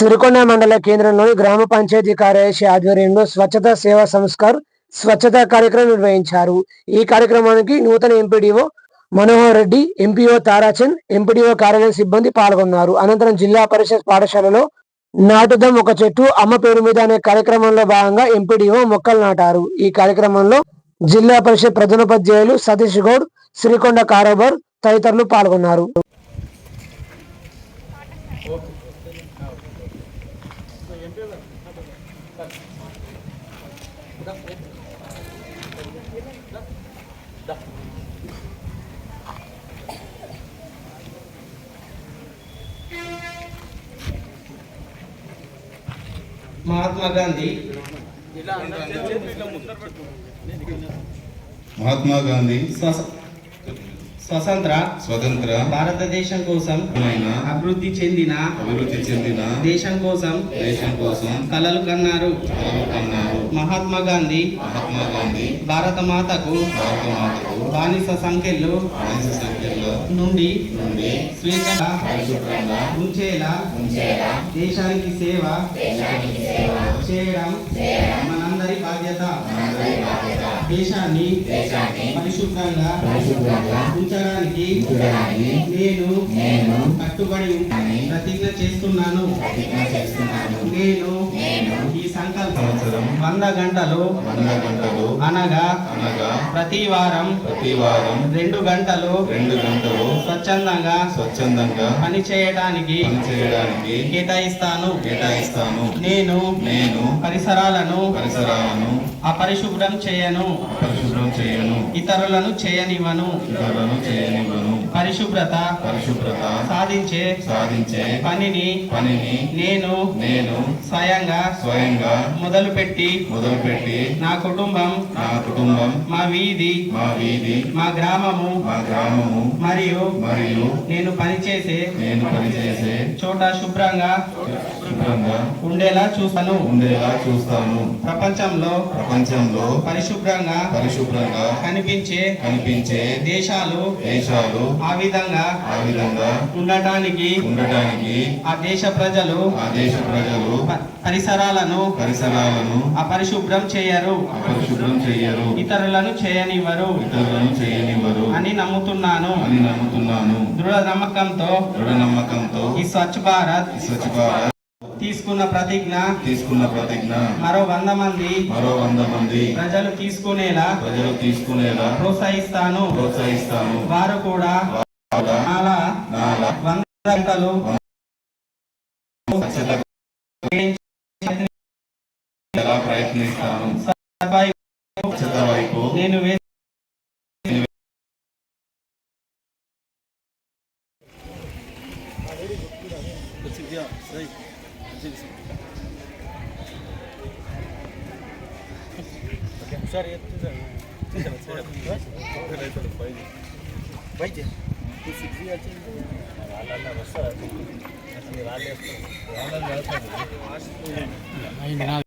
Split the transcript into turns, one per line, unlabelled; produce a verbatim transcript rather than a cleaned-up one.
సిరికొండ మండల కేంద్రంలోని గ్రామ పంచాయతీ కార్యదర్శి ఆధ్వర్యంలో స్వచ్ఛత సేవా సంస్కార్ స్వచ్ఛతా కార్యక్రమం నిర్వహించారు. ఈ కార్యక్రమానికి నూతన MPDO Manohar Reddy, MPO Tarachand, MPDO కార్యాలయ సిబ్బంది పాల్గొన్నారు. అనంతరం జిల్లా పరిషత్ పాఠశాలలో నాటుదాం ఒక చెట్టు అమ్మ పేరు మీద అనే కార్యక్రమంలో భాగంగా ఎంపీడీఓ మొక్కలు నాటారు. ఈ కార్యక్రమంలో జిల్లా పరిషత్ ప్రధానోపాధ్యాయులు సతీష్ గౌడ్, సిరికొండ కారోబర్ తదితరులు పాల్గొన్నారు.
महात्मा गांधी
महात्मा गांधी
స్వతంత్ర
స్వతంత్ర
భారతదేశం కోసం అభివృద్ధి చెందిన
అభివృద్ధి చెందిన
దేశం కోసం
దేశం కోసం
కలలు కన్నారు
కలలు కన్నారు.
మహాత్మా గాంధీ
మహాత్మా గాంధీ
భారత మాతకు
భారత మాతకు
బానిస సంఖ్యలు
బానిస సంఖ్యలో
నుండి
నుండి
స్వేచ్ఛగా
పరిశుభ్రంగా
ఉంచేలా దేశానికి సేవ చేయడం మనందరి బాధ్యత. దేశాన్ని పరిశుభ్రంగా ఉంచడానికి నేను కట్టుబడి ప్రతిజ్ఞ చేస్తున్నాను. నేను ఈ సంకల్పం వంద గంటలు
వంద గంటలు
అనగా
అనగా
ప్రతి వారం
ప్రతి వారం
రెండు గంటలు
రెండు గంటలు
స్వచ్ఛందంగా
స్వచ్ఛందంగా
పని చేయడానికి
పని చేయడానికి
కేటాయిస్తాను
కేటాయిస్తాను.
నేను
నేను
పరిసరాలను
పరిసరాలను
అపరిశుభ్రం చేయను,
పరిశుభ్రం చేయను,
ఇతరులను చేయనివ్వను.
ఇతరులను చేయనివ్వను.
పరిశుభ్రత
పరిశుభ్రత
సాధించే
సాధించే
పనిని
పనిని
నేను
నేను
స్వయంగా
స్వయంగా
మొదలుపెట్టి
మొదలుపెట్టి
నా కుటుంబం
నా కుటుంబం
మా వీధి
మా వీధి
మా గ్రామము
మా గ్రామము
మరియు
మరియు
నేను పనిచేసే
నేను పనిచేసే
చోట శుభ్రంగా
శుభ్రంగా
ఉండేలా చూస్తాను.
ఉండేలా చూస్తాను.
ప్రపంచంలో
ప్రపంచంలో
పరిశుభ్రంగా
పరిశుభ్రంగా
కనిపించే
కనిపించే
దేశాలు
దేశాలు
ఆ విధంగా
ఆ విధంగా
ఉండటానికి
ఉండటానికి
ఆ దేశ ప్రజలు
ఆ దేశ ప్రజలు
ప- పరిసరాలను
పరిసరాలను
అపరిశుభ్రం చేయరు,
అపరిశుభ్రం చెయ్యరు,
ఇతరులను చేయనివ్వరు
ఇతరులను చేయనివ్వరు
అని నమ్ముతున్నాను.
అని నమ్ముతున్నాను.
దృఢ నమ్మకంతో
దృఢ నమ్మకంతో
ఈ స్వచ్ఛ భారత్
ఈ స్వచ్ఛ భారత్
తీసుకున్న ప్రతిజ్ఞ
తీసుకున్న ప్రతిజ్ఞ
మరో వంద మంది
మరో వంద మంది
ప్రజలు తీసుకునేలా
ప్రజలు తీసుకునేలా
ప్రోత్సహిస్తాను.
ప్రోత్సహిస్తాను.
వారు కూడా
వారు
నాలా
నాలా
వంద గంటలు
స్వచ్ఛత ఎలా ప్రయత్నిస్తాను. స్వచ్ఛత వైపు
నేను వే-